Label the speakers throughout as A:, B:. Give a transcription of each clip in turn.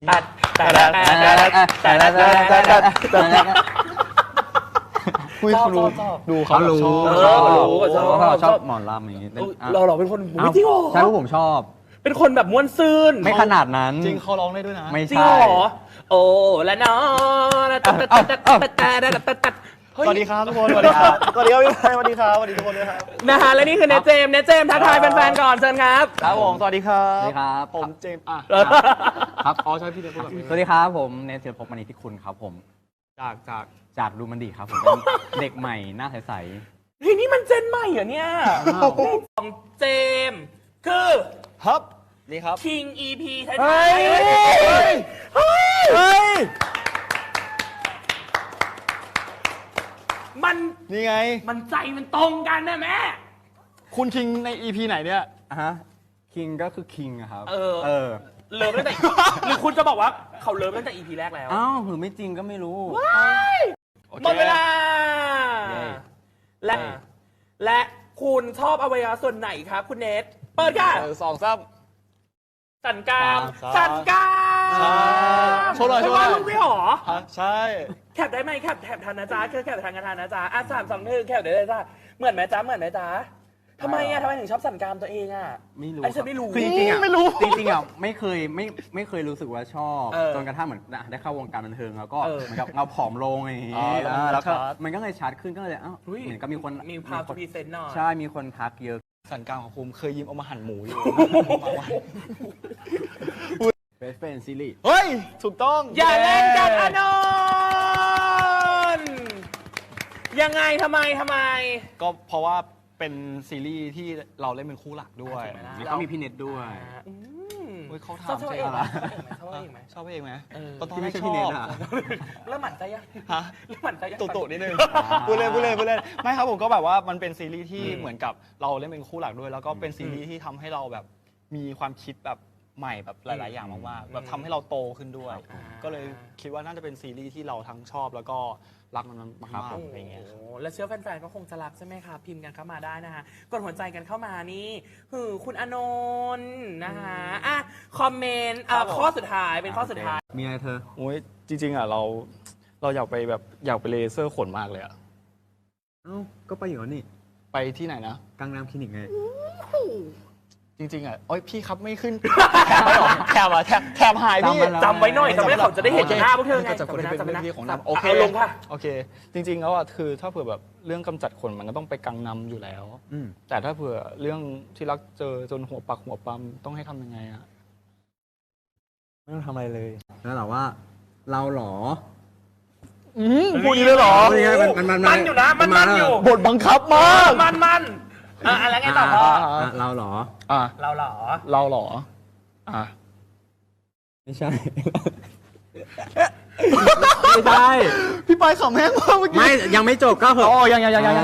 A: ตัด
B: คุยรู้ดูเขารู้
A: ชอบ
B: หมอลำอย่างนี้
A: เราเป็นคนจริงเหรอ
B: ใช่ผมชอบ
A: เป็นคนแบบม้วนซื่น
B: ไม่ขนาดนั้น
C: จริงเขาร้องได้ด้วยนะ
B: ไม่
A: จริง
B: ใช่
A: เหรอโอ้และน้อง
C: สวัสดีครับทุกคนสวัสดีครับสวัสดีครับพี่ไพสวัสดีครับสวัสดีทุกคนด้วยครับ
A: นะฮะและนี่คือเนเจมทักทายแฟนๆก่อนเชิญครับ
C: ครับผมสวัสดีครับ
B: สวัสดีครับ
C: ผมเจมส์
B: ครับ
C: อ๋อใช่พี่เจมส์พูดแบบนี้
B: สวัสดีครับผมเนเธอร์พบมณีที่คุณครับผม
C: จาก
B: ดูมันดีครับผมเป็นเด็กใหม่หน้าใส
A: เฮ้ยนี่มันเจนใหม่เหรอเนี่ยของเจมคือ
C: ครับนี่ครับ
A: King EP ท้าย
C: เฮ้ย
A: เฮ้ยมัน
C: นี่ไง
A: มันใจมันตรงกันนะแม่
C: คุณคิงใน EP ไหนเนี่ย
B: ฮะคิงก็คือคิงครับ
A: เออ
B: เออ
A: เลิฟตั้งแต่ หรือคุณจะบอกว่าเขาเลิฟตั้งแต่ EP แรกแล้ว
B: อ้าวหรือไม่จริงก็ไม่รู้
A: หมดเวลา
B: เย้
A: และคุณชอบอวัยวะส่วนไหนครับคุณเนทเปิดค่ะ
C: สองซ้ำ
A: สันกราม
C: ครับ
A: สันกราม
C: ใช่โชว์หน่อยโชว์หน่อย
A: ไม่ว่าลูกไม่หรอ
C: ใช่
A: แคปได้ไหมแคปทันนะจ๊ะแคปทันกันทันนะจ๊ะอ่ะ3 2 1แคปได้เลยจ้ะเหมือนไหมจ๊ะทำไมถึงชอบสันกรามตัวเองอ่ะ
B: ไม่รู้
A: ไอ้ฉันไม่รู้
B: คือจริงๆอ่ะ
C: ไม่รู้
B: จริงๆอ่ะไม่เคยรู้สึกว่าชอบ
A: เออ
B: จนกระทั่งเหมือนได้เข้าวงการบันเทิงแล้วก็
A: เออ
B: เหมือนกับเราผอมลงอย่างงี้
C: อ๋อแล้ว
B: แล้วก็
C: ชัด
B: มันก็เลยชัดขึ้นก็เลยเหมือนกับมีคน
A: มีพาวทูพีเซนต์หน่อย
B: ใช่มีคนทักเยอะ
C: สันกลางของภูมิเคยยิ้มเอามาหั่นหมูอยู่
B: เบสเฟนซีรีส์
C: เฮ้ย ถูกต้อง
A: อย่าเล่นกันอานนท์ยังไงทำไม
C: ก็เพราะว่าเป็นซีรีส์ที่เราเล่นเป็นคู่หลักด้วย
B: นี่เขามีพี่เน็ตด้วย
A: อืม
C: เฮ้ยเขา
A: ชอบ
C: ทำ
A: เอ
C: ใช่
A: ง
C: ไห
A: ไห
C: ม
A: มชอบเองไหม
C: ชอบเองไหม
A: เออ
C: ตอน
B: ที่
C: แร
B: ไม่
C: ก
B: ใช่
C: ช
B: พี่เน็
C: อ
B: ต
C: บ
B: อ่ะ
A: เริ่มหมั่นใจยัง
C: ฮะ
A: เริ่มหมั่นใจยัง
C: ตุนิดนึงพูดเล่นไม่ครับผมก็แบบว่ามันเป็นซีรีส์ที่เหมือนกับเราเล่นเป็นคู่หลักด้วย แล้วก็เป็นซีรีส์ที่ทำให้เราแบบมีความคิดแบบใหม่แบบหลาย ๆ อย่างมากๆแบบทำให้เราโตขึ้นด้วย ก็เลยคิดว่าน่าจะเป็นซีรีส์ที่เราทั้งชอบแล้วก็รักมันมากๆอะไรเงี้ยครับ
A: โอ้และเชื่อแฟนๆก็คงจะรักใช่ไหมคะพิมพ์กันเข้ามาได้นะคะกดหัวใจกันเข้ามานี่คุณอานนท์นะคะอ่ะคอมเมนต์ข้อสุดท้ายเป็นข้อสุดท้าย
B: มีอะไรเธอ
C: โอ้ยจริงๆอ่ะเราอยากไปแบบอยากไปเลเซอร์ขนมากเลยอ่ะ
B: เอ้าก็ไปอยู่แล้วนี่
C: ไปที่ไหนนะ
B: กังนามคลินิกไง
C: จริงๆอ่ะโอ้ยพี่ครับไม่ขึ้น แถบอะแถบหายพี่
A: จำไว้หน่อยจำไว้เขาจะได้เห็นหน้าพวกเธอไง
C: ก็จะคนที่เป็น
A: จำไว้นะ
C: เรื่องที่ของ
A: จำ
C: น้ำโอเค
A: เอาลงค่ะ
C: โอเค จริง ๆ แล้วอ่ะคือถ้าเผื่อแบบเรื่องกำจัดขนมันก็ต้องไปกังนำอยู่แล้ว
B: อืม
C: แต่ถ้าเผื่อเรื่องที่รักเจอจนหัวปักหัวปั๊มต้องให้ทำยังไงอ่ะ
B: ไม่ต้องทำอะไรเลย แล้วแต่ว่าเราเหรอ
C: พูดนี้เลยเหรอ
B: นี่ไงมัน
A: อยู่นะมันอยู่
C: บทบังคับมาก
A: มันอะไรไงต่อพ่อ
B: เราเหรอ
C: อ่ะ
A: เราเหรอ
C: เราเหรออ่ะ
B: ไม่ใช่ ไม่ใช่
C: พี่ปายขำแห้งมากเมื่อกี้
B: ไม่ยังไม่จบก็เหอะ
C: อ๋อยังครับยัง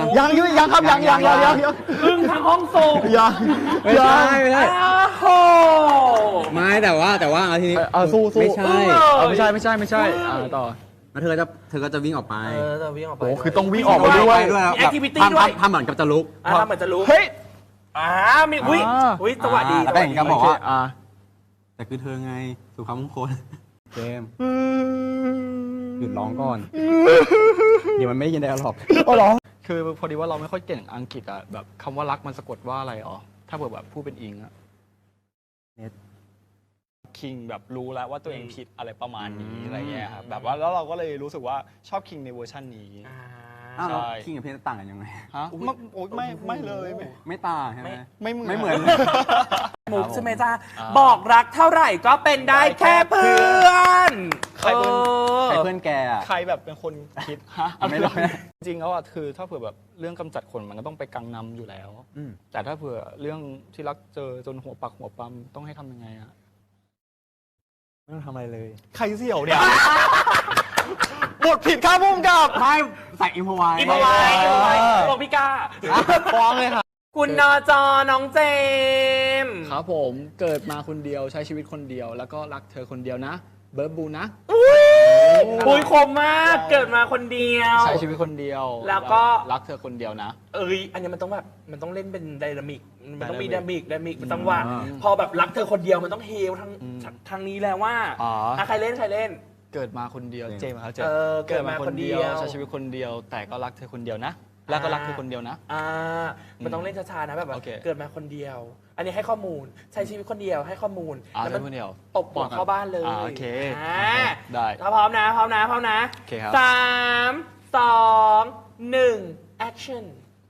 A: พึ่งทางห้องส่ง
C: ยัง
B: ไม่ใช่ไม่ใช่
A: อ้าวโห
B: ไม่แต่ว่าเอาทีนี้
C: สู้
B: ไม่ใช่
C: ไม่ใช่ต่อ
B: แล้วเธอก็จะวิ่งออกไป
A: จะวิ่งออกไป
C: โอ้คือต้องวิ่งออกมาด้วย
B: แล้ว
A: มี activity ด้วย
B: ทำเหมือนกับจะลุก
A: ทำเหมือนจะรู้
C: เฮ้ย
A: มีอุ้ยจังหวะดี
B: แล้วก็เห็นกันบอกว่า
C: อ่ะ
B: แต่คือเธอไงสุภาพมงคลเจมส์หยุดร้องก่อน เดี๋ยวมันไม่ได้ยินได้หรอก
C: อ๋อเหรอคือพอดีว่าเราไม่ค่อยเก่งอังกฤษอ่ะแบบคำว่ารักมันสะกดว่าอะไรอ๋อถ้าเผื่อแบบพูดเป็นอิงอ่ะ
B: เน็ต
C: คิงแบบรู้แล้วว่าตัวเองผิดอะไรประมาณนี้อะไรเงี้ยครับแบบว่าแล้วเราก็เลยรู้สึกว่าชอบคิงในเวอร์ชันนี้
B: อ้าว
C: ใช่
B: คิงกับเพนต่างกันยังไง
C: ฮะไม่เลยไม่
B: ไม่ต่างใช่ไหม
C: ไม่เหมือน
B: ไม่เหมือน
A: มุกใช่ไหมจ๊ะบอกรักเท่าไหร่ก็เป็นได้แค่เพื่อน
C: ใครเป็น
B: ใครเพื่อนแกอ่ะ
C: ใครแบบเป็นคนคิดฮะ
B: ไม่รู้
C: จริงๆแล้วอ่ะคือถ้าเผื่อแบบเรื่องกำจัดขนมันก็ต้องไปกังนำอยู่แล้ว
B: อืม
C: แต่ถ้าเผื่อเรื่องที่รักเจอจนหัวปักหัวปั๊มต้องให้ทำยังไงอะ
B: ไม่ต้องทำอะไรเลย
C: ใครเสี่ยวเนี่ย บทผิดข้าพุ่มกับ
B: ไม่ใส่อิมพอไว้
A: อีพอไว้บอกพี่ก้า
C: ฟ้องเลยค่ะ
A: คุณนจน้องเจมส์
C: ครับผมเกิดมาคนเดียวใช้ชีวิตคนเดียว แล้วก็รักเธอคนเดียวนะ เบิร์ดบูนะ
A: ปุยคมมากเกิดมาคนเดียว
C: ใช้ชีวิตคนเดียว
A: แล้วก็
C: รักเธอคนเดียวนะ
A: อันนี้มันต้องแบบมันต้องเล่นเป็นไดนามิกมันต้องมีดามิกจังหวะพอแบบรักเธอคนเดียวมันต้องเฮลทางนี้แล้วว่าใครเล่น
C: เกิดมาคนเดียวเจมส์ครับเจม
A: เกิดมาคนเดียว
C: ใช้ชีวิตคนเดียว แต่ก็รักเธอคนเดียวนะ แล้วก็รักเธอคนเดียวนะ
A: มันต้องเล่นช้าๆนะแบบ
C: โอเค
A: เกิดมาคนเดียว อันนี้ให้ข้อมูลใช้ชีวิตคนเดียวให้ข้อมูล
C: ใช้
A: มั
C: คนเดียว
A: ตบหัวเข้าบ้านเลย
C: โอเคได้
A: ถ้าพร้อมนะ
C: โอเคครับ
A: 3 2 1 action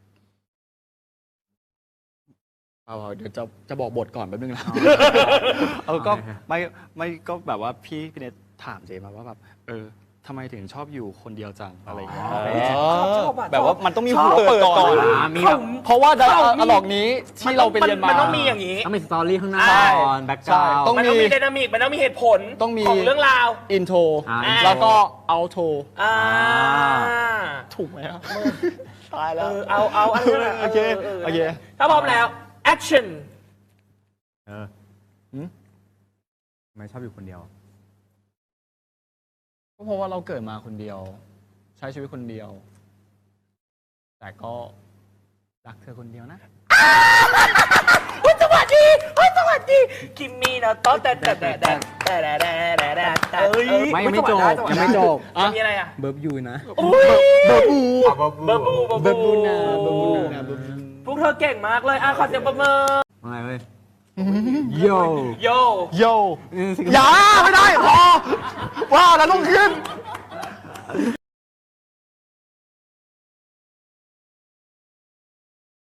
C: เอาเดี๋ยวจะบอกบทก่อนแป๊บนึงนะก็ไม่ก็แบบว่าพี่เนทถามเจมาว่าแบบทำไมถึงชอบอยู่คนเดียวจังอะไรอย่างเงี้ยแบบว่ามันต้องมีหัวเปิดก่อน
B: มีแบบ
C: เพราะว่าไดอะล็อกนี้ที่เราไปเรียนมา
A: มันต้องมีอย่างนี้
B: ต้องมีสตอรี่ข้างหน้า
C: ใช่
B: ก่อนแบ็กกราวด์
C: ต้อง
A: มันต้องมีไดนามิกมันต้องมีเหตุผล
C: ต้องมี
A: ของเรื่องราว
C: อินโทร
B: intro
C: แล้วก็เอาโทร
A: ถูก
C: ไหมครับตายแล้ว
A: เอาอันนั้น
C: โอเคโอเค
A: ถ้าพร้อมแล้ว action
B: ทำไมชอบอยู่คนเดียว
C: ก็เพราะว่าเราเกิดมาคนเดียว ใช้ชีวิตคนเดียว แต่ก็รักเธอคนเดียวนะ
A: สวัสดีคิมมี่นะต้นแต่
B: ไม่ยังไม่จบยังไม่จบ
A: มีอะไรอ่ะ
B: เบิร์บยูนะ
A: เบอร์บู
B: เบิร์บบูนะ
A: พวกเธอเก่งมากเลยขอเสียงประเมิน
B: ว่าไงเว้ยโย
A: โย
C: โยอย่าไม่ได้พอว่าแล้วต้องขึ้น